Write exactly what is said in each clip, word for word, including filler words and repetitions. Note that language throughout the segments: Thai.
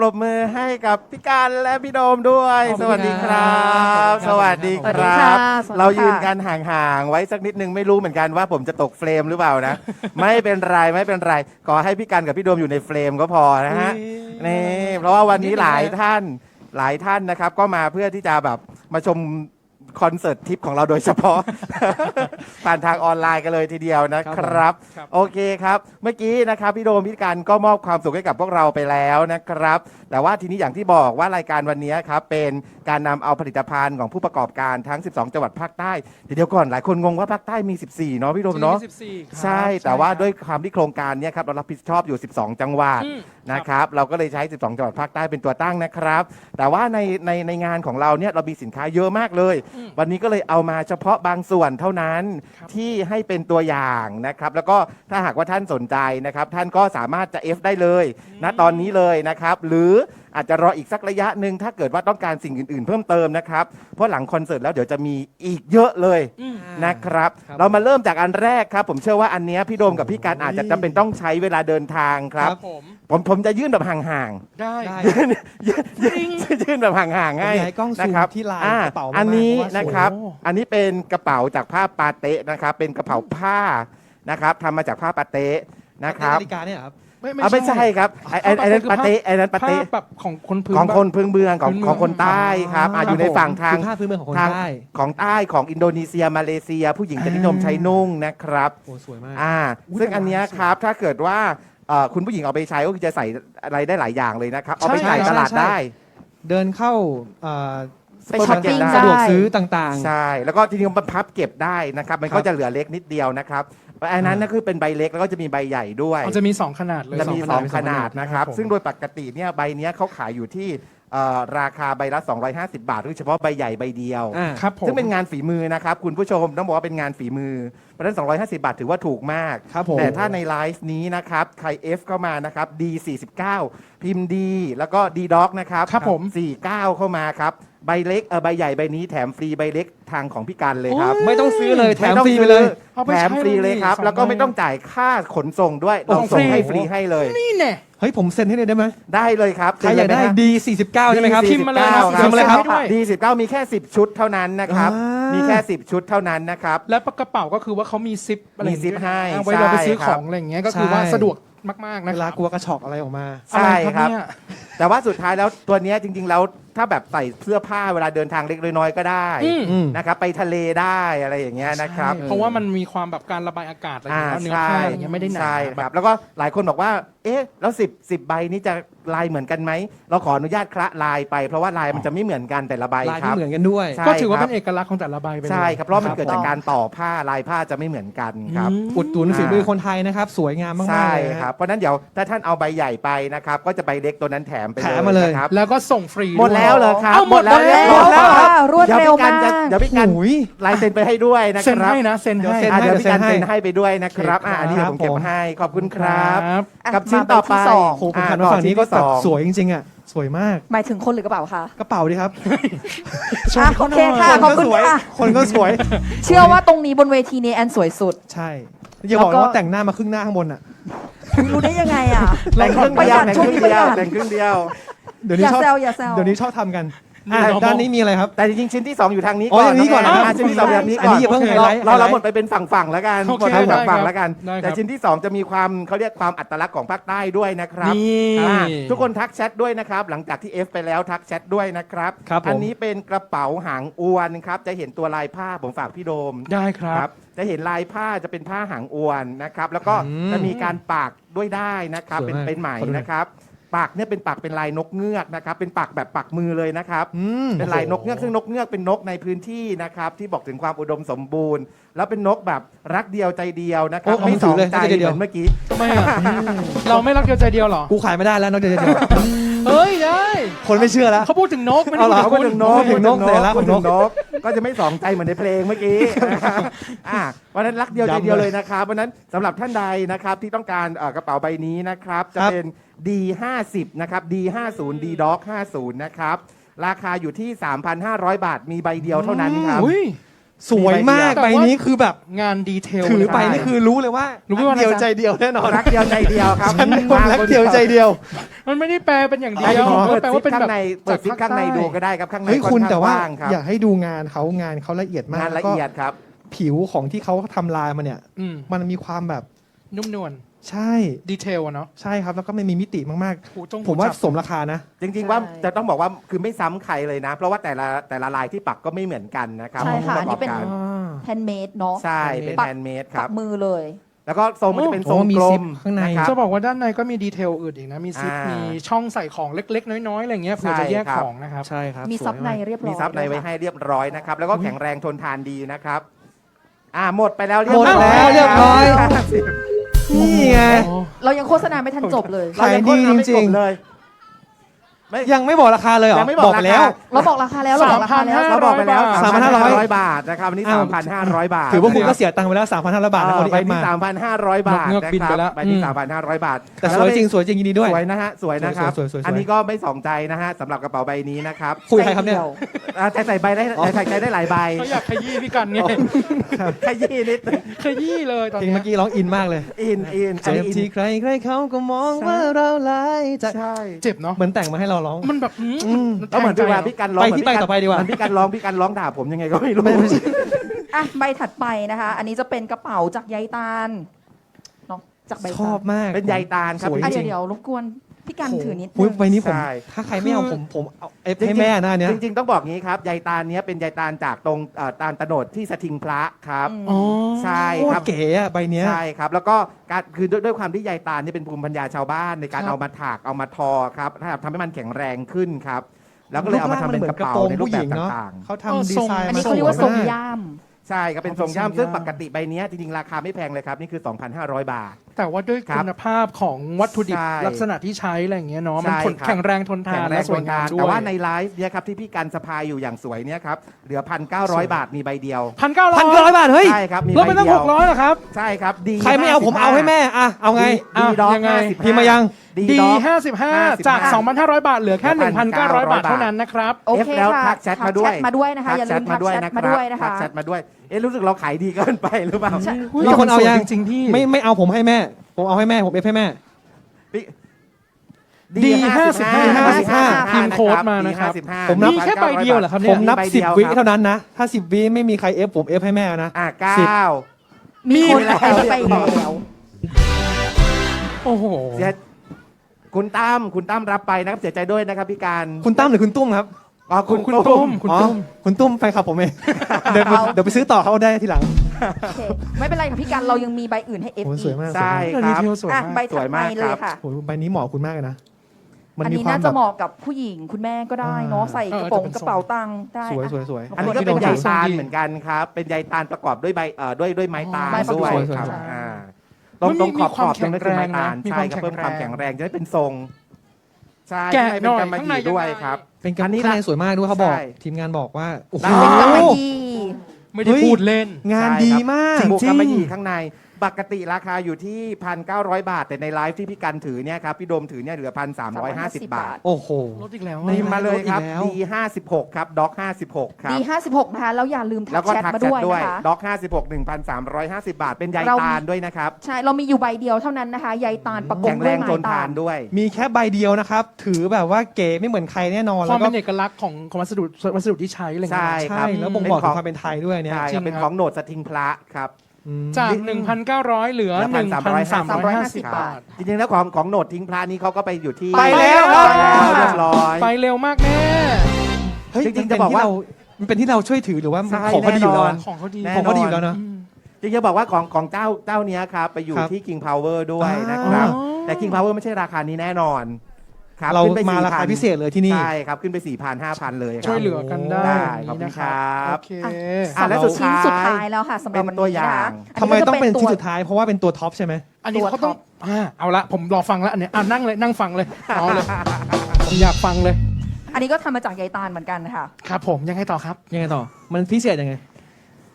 รบมือให้กับพี่การและพี่โดมด้วยสวัสดีครับสวัสดีครับ เรายืนกันห่างๆไว้สักนิดนึงไม่รู้เหมือนกันว่าผมจะตกเฟรมหรือเปล่านะ ไม่เป็นไรไม่เป็นไรขอให้พี่การกับพี่โดมอยู่ในเฟรมก็พอนะฮะนี่เพราะว่าวันนี้หลายท่านหลายท่านนะครับก็มาเพื่อที่จะแบบมาชมคอนเสิร์ตทิปของเราโดยเฉพาะ ผ่านทางออนไลน์กันเลยทีเดียวนะครับโอเคครับเมื่อกี้นะครับพี่โดมพี่การก็มอบความสุขให้กับพวกเราไปแล้วนะครับแต่ว่าทีนี้อย่างที่บอกว่ารายการวันนี้ครับเป็นการนำเอาผลิตภัณฑ์ของผู้ประกอบการทั้งสิบสองจังหวัดภาคใต้เดี๋ยวก่อนหลายคนงงว่าภาคใต้มีสิบสี่เนาะพี่โดมเนาะใช่แต่ว่าด้วยความที่โครงการนี้ครับเรารับผิดชอบอยู่สิบสองจังหวัดนะครับเราก็เลยใช้สิบสองจังหวัดภาคใต้เป็นตัวตั้งนะครับแต่ว่าในในในงานของเราเนี่ยเรามีสินค้าเยอะมากเลยวันนี้ก็เลยเอามาเฉพาะบางส่วนเท่านั้นที่ให้เป็นตัวอย่างนะครับแล้วก็ถ้าหากว่าท่านสนใจนะครับท่านก็สามารถจะ F ได้เลยณตอนนี้เลยนะครับหรืออาจจะรออีกสักระยะหนึ่งถ้าเกิดว่าต้องการสิ่งอื่นๆเพิ่มเติมนะครับเพราะหลังคอนเสิร์ตแล้วเดี๋ยวจะมีอีกเยอะเลยนะครับเรามาเริ่มจากอันแรกครับผมเชื่อว่าอันนี้พี่โดมกับพี่การอาจจะจำเป็นต้องใช้เวลาเดินทางครับผมผมจะยื่นแบบห่างๆได้ยื่นแบบห่างๆให้นะครับที่ลายกระเป๋าอันนี้นะครับอันนี้เป็นกระเป๋าจากผ้าปาเต๊ะนะครับเป็นกระเป๋าผ้านะครับทำมาจากผ้าปาเต๊ะนะครับนาฬิกาเนี่ยครับไม่ไม่ใช่ครับไอ้ไอ้นั้นปาเต้ไอ้นั้นปาเต้แบบของคนพื้นของคนพื้นเมืองของของคนใต้ครับอยู่ในฝั่งทางผ้าพื้นเมืองของคนใต้ของใต้ของอินโดนีเซียมาเลเซียผู้หญิงจะนิยมใช้นุ่งนะครับโอ้สวยมากอ่าซึ่งอันนี้ครับถ้าเกิดว่าคุณผู้หญิงเอาไปใช้ก็จะใส่อะไรได้หลายอย่างเลยนะครับเอาไปใส่ตลาดได้เดินเข้าไปช็อปเก็บได้สะดวกซื้อต่างๆใช่แล้วก็ทีนี้มันพับเก็บได้นะครับมันก็จะเหลือเล็กนิดเดียวนะครับอันนั้นก็คือเป็นใบเล็กแล้วก็จะมีใบใหญ่ด้วยจะมีสองขนาดเลยจะมีสองขนาดนะครับซึ่งโดยปกติเนี่ยใบนี้เขาขายอยู่ที่ราคาใบละสองร้อยห้าสิบบาทโดยเฉพาะใบใหญ่ใบเดียวซึ่งเป็นงานฝีมือนะครับคุณผู้ชมต้องบอกว่าเป็นงานฝีมือเพราะฉะนั้นสองร้อยห้าสิบบาทถือว่าถูกมากแต่ถ้าในไลฟ์นี้นะครับใคร F เข้ามานะครับ ดี สี่สิบเก้า พิมพ์ D แล้วก็ D Doc นะครับครับผมสี่สิบเก้าเข้ามาครับใบเล็กเออใบใหญ่ใบนี้แถมฟรีใบเล็กทางของพี่กันเลยครับไม่ต้องซื้อเลยแถมฟรีไปเลยแถมฟรีเลยครับแล้วก็ไม่ต้องจ่ายค่าขนส่งด้วยเราส่งให้ฟรีให้เลยนี่แน่เฮ้ยผมเซ็นให้เลยได้ไหมได้เลยครับใครอยากได้ ดี สี่สิบเก้าใช่ไหมครับพิมพ์มาเลยครับพิมพ์มาเลยครับ ดี สี่สิบเก้ามีแค่สิบชุดเท่านั้นนะครับมีแค่สิบชุดเท่านั้นนะครับและกระเป๋าก็คือว่าเขามีซิปอะไรมีซิปให้ไว้เราไปซื้อของอะไรอย่างเงี้ยก็คือว่าสะดวกมากๆนะเวลากลัวกระชอกอะไรออกมาใช่ครับแต่ว่าสุดท้ายแล้วตัวนี้จริงๆแล้วถ้าแบบใส่เสื้อผ้าเวลาเดินทางเล็กน้อยก็ได้นะครับไปทะเลได้อะไรอย่างเงี้ยนะครับเพราะว่ามันมีความแบบการระบายอากาศอะไรอย่างเงี้ยเนื้อผ้าอย่างเงี้ยไม่ได้หนาใช่ครับแล้วก็หลายคนบอกว่าเอ๊ะแล้วสิบ สิบใบนี้จะลายเหมือนกันไหมเราขออนุญาตคละลายไปเพราะว่าลายมันจะไม่เหมือนกันแต่ละใบลายครับไม่เหมือนกันด้วยก็ถือว่าเป็นเอกลักษณ์ของแต่ละใบไปใช่ครับเพราะมันเกิดจากการต่อผ้าลายผ้าจะไม่เหมือนกันครับอุดหนุนฝีมือคนไทยนะครับสวยงามมากๆใช่ครับเพราะนั้นเดี๋ยวถ้าท่านเอาใบใหญ่ไปนะครับก็จะใบเล็กตัวนั้นแถมไปเลยครับแล้วก็ส่งฟรีหมดแล้วเหรอครับหมดแล้วหมดแล้วรวดเร็วมากเดี๋ยวพี่กันลายเซ็นไปให้ด้วยนะครับเซ็นให้นะเซ็นให้เดี๋ยวพี่กันเซ็นให้ไปด้วยนะครับอันนี้ผมเก็บให้ขอบคุณครับกับชิ้นต่อไปโอ้โหผมผ่านมาฝั่งนี้ก็แบบสวยจริงๆอ่ะสวยมากหมายถึงคนหรือกระเป๋าคะกระเป๋าดิครับโอเคค่ะขอบคุณค่ะคนก็สวยเชื่อว่าตรงนี้บนเวทีนี้แอนสวยสุดใช่อย่าบอกว่าแต่งหน้ามาครึ่งหน้าข้างบนอ่ะรู้ได้ยังไงอ่ะแต่งครึ่งเดียวแต่งครึ่งเดียวแต่งครึ่งเดียวเดี๋ยวนี้ชอบเดี๋ยวนี้ชอบทำกันด้านนี้มีอะไรครับแต่จริงๆชิ้นที่สองอยู่ทางนี้ก่อนอ๋ออย่างนี้ก่อนนะชิ้นที่สองแบบนี้ก่อนเราเราหมดไปเป็นฝั่งๆแล้วกันหมดไปฝั่งๆแล้วกันแต่ชิ้นที่สองจะมีความเขาเรียกความอัตลักษณ์ของภาคใต้ด้วยนะครับทุกคนทักแชทด้วยนะครับหลังจากที่ F ไปแล้วทักแชทด้วยนะครับอันนี้เป็นกระเป๋าหางอวนครับจะเห็นตัวลายผ้าผมฝากพี่โดมได้ครับจะเห็นลายผ้าจะเป็นผ้าหางอวนนะครับแล้วก็จะมีการปากด้วยได้นะครับเป็นเป็นไหมนะครับปากเนี่ยเป็นปากเป็นลายนกเงือกนะครับเป็นปากแบบปากมือเลยนะครับเป็นลายนกเงือกซึ่งนกเงือกเป็นนกในพื้นที่นะครับที่บอกถึงความอุดมสมบูรณ์แล้วเป็นนกแบบรักเดียวใจเดียวนะครับไม่สองใจเหมือนเมื่อกี้ทำไมอ่ะเราไม่รักเดียวใจเดียวหรอกูขายไม่ได้แล้วนกเดียวใจเดียวเฮ้ยได้คนไม่เชื่อแล้วเขาพูดถึงนกไม่ได้พูดถึงนกพูดถึงนกแต่ละพูดถึงนกก็จะไม่สองใจเหมือนในเพลงเมื่อกี้นะครับอ่าวันนั้นรักเดียวใจเดียวเลยนะครับวันนั้นสำหรับท่านใดนะครับที่ต้องการกระเป๋าใบนี้นะครับจะเป็น ดี ห้าสิบ นะครับ ดี ห้าสิบ D Doc ห้าสิบ นะครับราคาอยู่ที่ สามพันห้าร้อย บาทมีใบเดียวเท่านั้นครับสวยมากแต่ใบว่านี้คือแบบงานดีเทลถือไปเลยนี่คือรู้เลยว่ารู้ว่าเดียวอะไรจ๊ะใจเดียวแน่นอนรักเดียวใจเดียวครับฉันเป็นคนรักเดียวใจเดียวมันไม่ได้แปลเป็นอย่างเดีไอ้ยวขอมันเปิดแปลซิว่าปเป็นข้าแบบงในเปิดซิปจากข้างในภาคใต้ดูก็ได้ครับข้างในเฮ้ยคุณอนข้งแต่ว่ากงครับอยากให้ดูงานเขางานเขาละเอียดมากงานละก็เอียดครับผิวของที่เขาทำลายมาเนี่ยอืมมันมีความแบบนุ่มนวลใช่ดีเทลอะเนาะใช่ครับแล้วก็ไม่มีมิติมากหูจงๆ ผมว่าหูจับสมราคานะจริงๆว่าจะต้องบอกว่าคือไม่ซ้ำใครเลยนะ เพราะว่าแต่ละแต่ละลายที่ปักก็ไม่เหมือนกันนะครับใช่ค่ะขอังนผู้นี้เป็นระกอบการแฮนด์เมดเนาะใช่เป็นปักแฮนด์เมดคปัรักบมือเลยแล้วก็ทรงมันจะเป็นทรงโอ้มีกลซิมปข้างในนะครับจะบอกว่าด้านในก็มีดีเทลอื่นอีกนะ มีซิปอ่ามีมีช่องใส่ของเล็กๆ น้อยๆ อะไรเงี้ยเผื่อใช่จะแยกครับของนะครับใช่ครับมีสวยซับในากเรียบร้อยมีซับในไว้ด้วยค่ะให้เรียบร้อยนะครับ แล้วก็แข็งแรงทนทานดีนะครับ อ่าหมดไปแล้วเรียบหมดร้อยแล้วเรียบร้อยห้าสิบนี่ไงเรายังโฆษณาไม่ทันจบเลยขายดีจริงๆเลยไม่ยังไม่บอกราคาเลยเหรอยังไม่บอกไปแล้วราคาเราบอกราคาแล้วเราบอกราคาแล้วเราบอกไปแล้วสามพันห้าร้อยสามพันห้าร้อยบาทนะครับวันนี้อ้าวสามพันห้าร้อยบาทถือว่าคุณก็เสียตังค์ไปแล้ว สามพันห้าร้อย บาทนะคนที่ไปเอ็กที่มาสามพันห้าร้อยบาทเงือกนะบินคไปรับแล้วไปที่อืมสามพันห้าร้อยบาทแต่สวยจริงสวยจริงยินดีด้วยสวยนะฮะสวยนะครับสวยๆสวยๆอันนี้ก็ไม่สองใจนะฮะสำหรับกระเป๋าใบนี้นะครับคุยกับใครครับเนี่ยอ่าใส่ใส่ใบได้ใส่ใจได้หลายใบเขาอยากขยี้พี่กันไงขยี้นิดนึงขยี้เลยตอนเพลงเนี้เมื่ยอกี้ร้องอินมากเลยอินอินอันเจ็นี้บอินที่ใครใครเขาก็มองว่าเราหลายใจใช่เจ็บเนาะเหมือนแต่งมาให้เราร้องมันแบบหืมอืมแล้วเหมือนพี่ว่าพี่กันร้องไปที่ไปต่อไปดีกว่าเหมือนพี่กันร้องพี่กันร้องด่าผมยังไงก็ไม่รู้อ่ะใบถัดไปนะคะ อันนี้จะเป็นกระเป๋าจากใยตาลเนาะจากใบชตาอบลมากเป็นใยตาลครับสวยอ่ะจเดี๋ริยวงเดี๋ยวรบกวนพี่กันถือนิดนึอุ๊ยงใบนี้ผมใช่ถ้าใครไม่เอาผมผมเอาเอฟจริงๆให้แม่หน้าเนี้ยจริงๆต้องบอกงี้ครับใยตาลเนี้ยเป็นใยตาลจากตรงเอ่อตาลตะโนดที่สถิงพระครับอืมอ๋อใช่โคคตรัรบเก๋อะใบเนี้ยใช่ครับ แล้วก็การคือด้วยด้วยความที่ใยตาลนี่เป็นภูมิปัญญาชาวบ้านในการครับเอามาถากเอามาทอครับถ้าทำให้มันแข็งแรงขึ้นครับ แล้วก็เลยเอามาทำเป็นกระเป๋าในรูปแบบต่างเขาเออทำดีทรงไซน์อันมานี้เขาเรียกว่าทรงมกย่ามๆ ใช่ครับเป็นทรงย่ามซึ่งปกติใบเนี้ยจริงๆราคาไม่แพงเลยครับนี่คือ สองพันห้าร้อย บาทแต่ว่าด้วยครับคุณภาพของวัตถุดิบใช่ลักษณะที่ใช้อะไรอย่างเงี้ยเนาะใช่มันทนครับแข็งแรงทนทาแข็นงแรและงสทวยนงาทาม นด้วยแต่ว่าในไลฟ์เนี่ยครับที่พี่กันสะพายอยู่อย่างสวยเนี่ยครับเหลือพันเก้าร้อยบาทมีใบเดียวพันเก้าร้อยพันเก้าร้อยบาทเฮ้ยใช่ครับมีลดใบไปตั้งเดียหวกร้อยเหรอครับใช่ครับดีใครไม่เอาผมเอาให้แม่อะเอาไงดีอ่ะด็อกยังไงห้าสิบพิมพ์มายังดีดีด็อกห้าสิบห้าห้าสิบห้าจาก สองพันห้าร้อย บาทเหลือแค่ หนึ่งพันเก้าร้อย บาทเท่านั้นนะครับโอเคเอฟแล้วค่ะทักแชทมาด้วยทักแชทมาด้วยนะคะอย่าลืมทักแชทมาด้วยนะคะทักแชทมาด้วย เอ๊ะรู้สึกเราขายดีเกินไปหรือเปล่าใช่มีคนเอายังจริงๆพี่ไม่ไม่เอาผมให้แม่ ผมเอาให้แม่ผมเอฟให้แม่ดีห้าสิบห้าห้าสิบห้าพิมพ์โค้ดมานะครับดีห้สิห้าผมนับมีแค่ใบเดียวเหรอครับผมนับใบสิเดีบยววิครับเท่านั้นนะ ถ้าสิบวิไม่มีใครเอฟผมเอฟให้แม่นะอ่ะเก้สิบามีคนมีแล้วเอาไปแล้วโอ้โหเสียคุณตั้มคุณตั้มรับไปนะครับเสียใจด้วยนะครับพี่การคุณตั้มหรือคุณตุ้มครับอ๋อคุณคุณตุ้ตุ้มมคุณอ๋อตุ้มคุณตุ้มแฟนคลับผมเอง เดี๋ยวเดี๋ยวไปซื้อต่อเขาได้ทีหลังโอเคไม่เป็นไรค่ะพี่กันเรายังมีใบอื่นให้เอฟโอ้อีสวยกมากใช่คดีรับเทลสวยอ่ะมากใบถัดไปเลยค่ะโอ้โหใบนี้เหมาะคุณมากเลยนะ มันอันมีนี้ความน่าแบจะบเหมาะกับผู้หญิงคุณแม่ก็ได้เนาะอ่าใส่กระโปรงกระเป๋าตังค์ได้สวยอ่ะสวยสวยอันนี้ก็เป็นใยที่ตาลทรงดีเหมือนกันครับ เป็นใยตาลประกอบด้วยใบเอ่อด้วยด้วยไม้ตาลใบประกอบด้วยสวยๆครับใช่อ่าตรงมันมีตรงขอบมีขความอบตรงนั้นคือไม้ตาลแข็งแรงนะใช่ครับมีเพิ่มความ มคาวแข็แข็งงแรแรง งจะได้เป็นทรง ใช่แกะให้หเป็น่นอยกำมะหข้างในยี่ด้วยยังไงครับเป็นกำอันนี้ข้างในละสวยมากด้วยเขาบอกใช่ทีมงานบอกว่าโอ้โหเป็นกำมะหยี่ไม่ได้พูดเล่นงานใช่ดีครับมากบวกจริกำงมะหยี่ข้างในปกติราคาอยู่ที่ พันเก้าร้อย บาท แต่ในไลฟ์ที่พี่กันถือเนี่ยครับพี่โดมถือเนี่ยเหลือ พันสามร้อยห้าสิบ บาทโอ้โหลดอีกแล้วในพิมพ์มาเลยครับลดอีกแล้วดีห้าสิบหกครับด็อกห้าสิบหกครับดีห้าสิบหกนะคะแล้วอย่าลืมทัแล้กวก็แชททักมาแชทด้วยด้วยนะคะด็อกห้าสิบหก หนึ่งพันสามร้อยห้าสิบ บาท เป็นใยเรามีตาลด้วยนะครับใช่เรามีอยู่ใบเดียวเท่านั้นนะคะใยตาลประกแข็บงด้แรวยงไม้ทนตาทานลด้วยมีแค่ใบเดียวนะครับ ถือแบบว่าเก๋ไม่เหมือนใครแน่นอนคแล้ว วามก็เป็นเอกลักษณ์ของของวัสดุวัสดุที่ใช้อะไรเงี้ยใช่ใช่แล้วบ่งบอกถึงความเป็นไทยด้วยเนี่ยใช่จริครับงเป็นครับของโหนดสทิงพระครับอืมจาก หนึ่งพันเก้าร้อย เหลือเหลือหนึ่งพันสามร้อยห้าสิบบาบาททจริงๆแล้วของของโหนดทิ้งพระนี้เขาก็ไปอยู่ที่ไปแล้วไปแล้วเรียบร้อยไปเร็วมากแม่เฮ้ยจริงๆมันเป็นจะบอกว่าที่เมันเป็นที่เราช่วยถือหรือว่าใช่ของเขาดีอยู่แล้วแน่นอนอะของเขาดีแน่ของเขาดีอยู่แล้วเนอะอืมจริงๆจะบอกว่าของของเจ้าเจ้าเนี้ยครับไปอยู่ครับที่ King Power ด้วยอ่านนะครับอ๋อแต่ King Power ไม่ใช่ราคานี้แน่นอนครับเราขึ้นไปมาราคาสี่พันพิเศษเลยที่นี่ใช่ครับขึ้นไป สี่พัน ห้าพัน เลยครับช่วยเหลือกันได้ได้ขอบคุณครับโอเคอ่ะและสุดชิ้นท้ายสุดท้ายแล้วค่ะสำหรับวันเป็นตัวนี้อย่านะงอัทำไมต้องเป็นก็ที่จะสุดท้ายเพราะว่าเป็นตัวท็อปใช่ไหมอันนี้ตัวเขาต้องท็อปอ่าเอาละผมรอฟังแล้วอันเนี้ยอ่านั่งเลยนั่งฟังเลยเอาเลยผมอยากฟังเลยอันนี้ก็ทำมาจากใยตาลเหมือนกันค่ะครับผมยังไงต่อครับยังไงต่อ มันพิเศษยังไงโอ้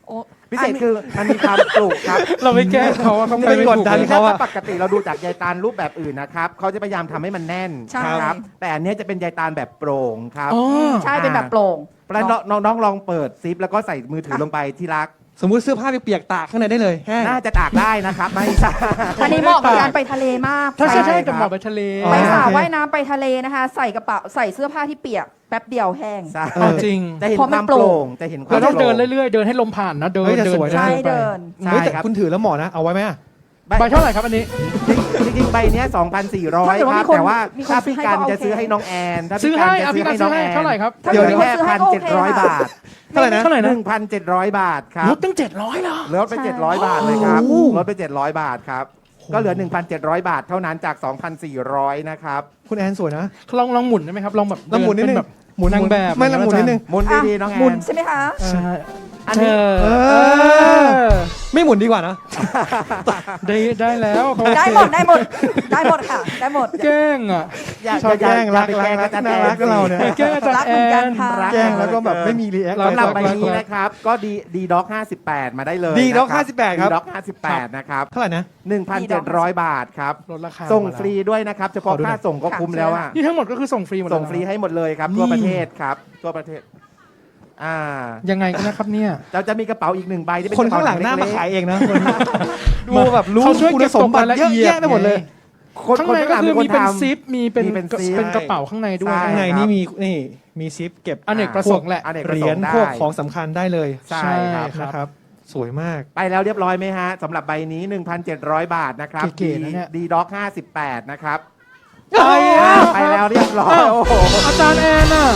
พิเศษคือมันมีความปลูกครับเราไม่แก้เขาว่าเขาไม่ไม่กดถูกดันเลยถ้าเขาอะปกติเราดูจากใยตาลรูปแบบอื่นนะครับเขาจะพยายามทำให้มันแน่นใช่ครับแต่อันเนี้ยจะเป็นใยตาลแบบโปร่งครับอ๋อใช่เป็นแบบโปร่งแล้วน้องน้องลองเปิดซิปแล้วก็ใส่มือถือลงไปที่รักสมมุติเสื้อผ้าเปียกๆตากข้างในได้เลยแห้งน่าจะตากได้นะครับไม่ใช่อันนี้เหมาะกับการไปทะเลมากถ้าใช่ใช่ใช่ครับกับหมอไปทะเลอ๋อไปสระโอเคว่ายน้ำไปทะเลนะคะ ใส่กระเป๋าใส่เสื้อผ้าที่เปียกแป๊บเดียวแห้งใช่เอาจริงจะเห็นเพราะคมัวาน มโปโปร่ร่งงจะเห็นควาเรามต้องเดินโปร่งเรื่อยๆ เดินให้ลมผ่านนะ เดินเฮ้ยแต่เดินสวยนะเดิใช่ไปเดินใช่เฮ้ยแต่ครับคุณถือแล้วเหมาะนะ เอาไว้ไหมอะใบใบเท่าไหร่ครับอันนี้จริงๆใบเนี้ยสองพันสี่ร้อยถ้าเกิดคว่ารับมีคนแต่ว่ามีคนถ้าพี่กันซื้อให้ก็จะซื้อโอเคให้น้องแอนถ้าซื้อพี่กัให้นอ่ะจะซื้พี่อกันให้ซื้น้อองแอนให้เท่าไหร่ครับถ้าเดี๋ยวมีแค่คนซื้อให้พันก็โอเจ็ดเคร้อยค่ะบาทเท่าไหร่นะเท่าไหร่นะหนึ่งพันเจ็ดร้อยบาทครับลดตั้งเจ็ดร้อยเหรอลดไปใช่เจ็ดร้อยบาทเลยครับโอ้ลดไปเจ็ดร้อยบาทครับก็เหลือ หนึ่งพันเจ็ดร้อย บาทเท่านั้นจาก สองพันสี่ร้อย นะครับคุณแอนสวยนะลองลองหมุนได้ไหมครับ ลองแบบลองหมุนนิดนึงเเป็แบบหมุนนางแบบไม่ลองหมุนนิดนึงหมุนอ่ะดีๆน้องแอหมุนนใช่ไหมคะใช่อันนี้เอเอออ ไม่หมุนดีกว่านะได้ได้แล้วเขาได้หมดได้หมดได้หมดค่ะ ได้หมดแกล้งอ่ะอย่าชอบอย่าแกล้งอย่ารักไปรัแกล้กงรักอาจารย์น่าแอรักนกับเราเนี่ยแกล้งอาจารรักย์แอเหมือนกันนค่ะแกล้งแล้วก็แบบไม่มีรีแอครักสำหรับใบรักนี้รักนะครับ ก็ดีดีด็อกห้าสิบแปดมาได้เลยดีด็อกนะห้าสิบแปดครับดีด็อกห้าสิบแปดนะครับเท่าไหร่นะหนึ่งพันเจ็ดร้อย บาทครับลดราคาส่งมาแล้วฟรีด้วยนะครับ เฉพาะขอดูหน่ค่าอยส่งก็คุ้มแล้วอ่ะนี่ทั้งหมดก็คือส่งฟรีหมดเลยส่งฟรีให้หมดเลยครับ ทั่วประเทศครับ ทั่วประเทศ อ่ายังไงกันนะครับเนี่ยเราจะมีกระเป๋าอีกหนึ่งใบที่เป็นคนกระข้างเป๋หลังหน้ามาเล็กๆขายเองนะคนดูแบบรู้เขาช่วยคุเก็ณบสมบัติตกรายละเยอะเอียดแยะไปหมดเลยคนข้างคนในข้างหก็ลังคืเป็อนคนมีเป็นทำซิป มีเป็นมีเป็นซิปเป็นกระเป๋าข้างในด้วยใช่ข้างในครับนี่มีนี่มีซิปเก็บอเนกประสงค์แหละอเนกเหประรีสยงญค์ได้พวกของสำคัญได้เลยใช่ครับใช่นะครับ สวยมากไปแล้วเรียบร้อยไหมฮะสำหรับใบนี้ หนึ่งพันเจ็ดร้อย บาทนะครับเก๋ๆนะเนี่ยดีด็อกห้าสิบแปดนะครับไปอ่ะไปแล้วเรียบร้อยอ้าวโอ้โหอาจารย์แอนน่ะ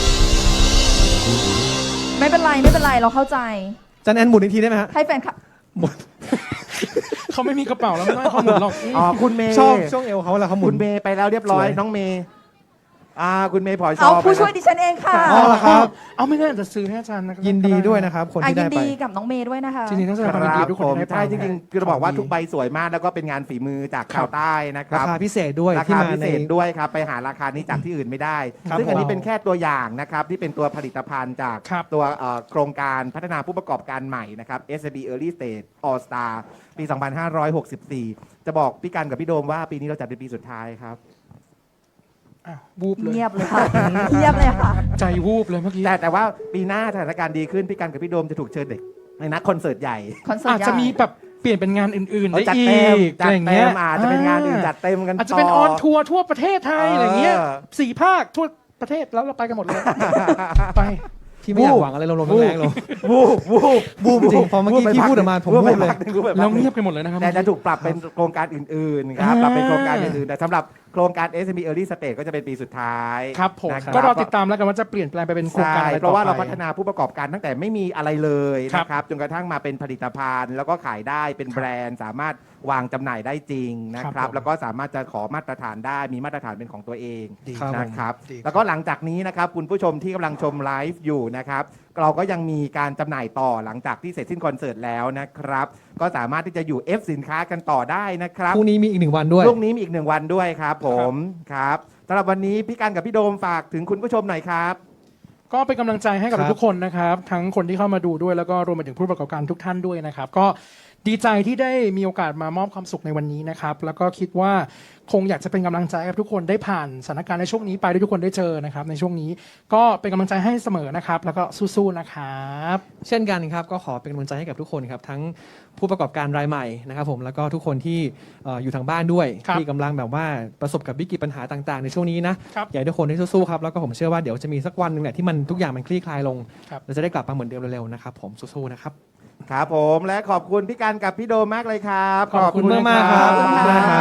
ไม่เป็นไรไม่เป็นไรเราเข้าใจจันแอนหมุนอีกทีได้ไหมฮะให้แฟนคลับหมุนเขาไม่มีกระเป๋าแล้วไม่ต้องให้เขาหมุนหรอกอ๋อคุณเมย์ชอบช่วงเอวเขาแล้วเขาหมุคุนณเมย์ไปแล้วเรียบร้อยสวยน้องเมย์อ่าคุณเมย์พลอยชเอาอบผู้ช่วยดิฉันเองค่ะอ๋อเหรอครับเอาไม่งั้นอาจจะซื้อให้อาจารย์นะยินดีด้วยนะครับ คนอ่ะที่ยิได้นไปดีกับน้องเมย์ด้วยนะคะจริงๆต้องแสดคงความยินดีรับทุกคผนมที่ได้ไปใช่จริงๆคือเราบอกว่าของดีทุกใบสวยมากแล้วก็เป็นงานฝีมือจากชาวใต้นะครารับคาพิเศษด้วยราที่คามาพิในเศษด้วยครับ ไปหาราคานี้จากที่อื่นไม่ได้ครับซึ่งอันนี้ผมเป็นแค่ตัวอย่างนะครับที่เป็นตัวผลิตภัณฑ์จากครับตัวเอ่อโครงการพัฒนาผู้ประกอบการใหม่นะครับ เอส บี Early Stage All Star ปี สองพันห้าร้อยหกสิบสี่ จะบอกพี่กันกับพี่โดมว่าปีนี้เราจัดเป็นปีสุดท้ายครับอ้าววูบเลยเงียบเลยค่ะ เงียบเลยค่ะใจวูบเลยเมื่อกี้แต่แต่ว่าปีหน้าสถานการณ์ดีขึ้นพี่กันกับพี่โดมจะถูกเชิญเด็กในนักคอนเสิร์ตใหญ่คอนเสิร์อาตจใหญ่จะมีแบบเปลี่ยนเป็นงานอื่นๆเขาได้จัดอีเต็มกจัอะดไรอย่างเต็เงี้ยมอาจจะเป็นงานอื่นจัดเต็มกันอาจจะเป็นออนทัวร์ทั่วประเทศไทยอะไรเงี้ยเออสี่ภาคทั่วประเทศแล้วเราไปกันหมดเลย ไปที่ไม่อยากหวังอะไรลมๆแรงๆลงวูบวูบบูมจริงพอเมื่อกี้วูบไปพี่พัพูดออกมาผมวูบไปบูมเลยพักหนึ่งวูบไปพัแล้วกหนึ่งเงียบกันหมดเลยนะครับแต่จะถูกปรับเป็นโครงการอื่นๆครับอ่าปรับเป็นโครงการอื่นๆแต่สำหรับโครงการ เอส เอ็ม อี Early Stage ก็จะเป็นปีสุดท้ายครับผมนะคบก็รอติดตามแล้วกันว่าจะเปลี่ยนแปลงไปเป็นโครงใช่การอะไรเพต่อราะว่าเราไปพัฒนาผู้ประกอบการตั้งแต่ไม่มีอะไรเลยครับนะครับจนกระทั่งมาเป็นผลิตภัณฑ์ แล้วก็ขายได้เป็นแบรนด์ สามารถวางจำหน่ายได้จริงนะคครัรับบ ผมแล้วก็สามารถจะขอมาตรฐานได้มีมาตรฐานเป็นของตัวเองดีครับนะครับดีครับแล้วก็หลังจากนี้นะครับคุณผู้ชมที่กำลังชมไลฟ์อยู่นะครับเราก็ยังมีการจำหน่ายต่อหลังจากที่เสร็จสิ้นคอนเสิร์ตแล้วนะครับก็สามารถที่จะอยู่ F สินค้ากันต่อได้นะครับพรุ่งนี้มีอีกหนึ่งวันด้วยพรุ่งนี้มีอีกหนึ่งวันด้วยครับผมครับสำหรับวันนี้พี่กันกับพี่โดมฝากถึงคุณผู้ชมหน่อยครับก็เป็นกำลังใจให้กับครับทุกคนนะครับ ทั้งคนที่เข้ามาดูด้วยแล้วก็รวมไปถึงผู้ประกอบการทุกท่านด้วยนะครับ ก็ดีใจที่ได้มีโอกาสมามอบความสุขในวันนี้นะครับ แล้วก็คิดว่าคงอยากจะเป็นกำลังใจให้ทุกคนได้ผ่านสถานการณ์ในช่วงนี้ไปด้วยทุกคนได้เจอนะครับ ในช่วงนี้ก็เป็นกำลังใจให้เสมอนะครับ แล้วก็สู้ๆนะครับเช่นกันครับก็ขอเป็นกำลังใจให้กับทุกคนครับทั้งผู้ประกอบการรายใหม่นะครับผมแล้วก็ทุกคนที่เอ่ออยู่ทางบ้านด้วยครับที่กำลังแบบว่าประสบกับวิกฤตปัญหาต่างๆ ในช่วงนี้นะครับ อยากให้ทุกคนได้สู้ๆครับแล้วก็ผมเชื่อว่าเดี๋ยวจะมีสักวันหนึ่งแหละที่มันทุกอย่างมันคลี่คลายลงครับเราจะได้กลับมาเหมือนเดิมเร็วๆนะครับผมสู้ๆนะครับครับผมและขอบคุณพี่การกับพี่โดมมากเลยครับขอบคุณมากๆครับขอบคุณครับ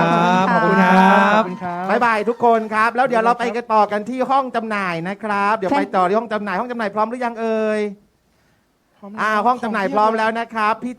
ขอบคุณครับขอบคุณครับบายบายทุกคนครับ แล้วเดี๋ยวเราไปกันต่อกันที่ห้องจำหน่ายนะครับ เดี๋ยวไปต่อที่ห้องจำหน่ายห้องจำหน่ายพร้อมหรือยังเอ่ยพร้อมอ่าห้องจำหน่ายพร้อมแล้วนะครับพี่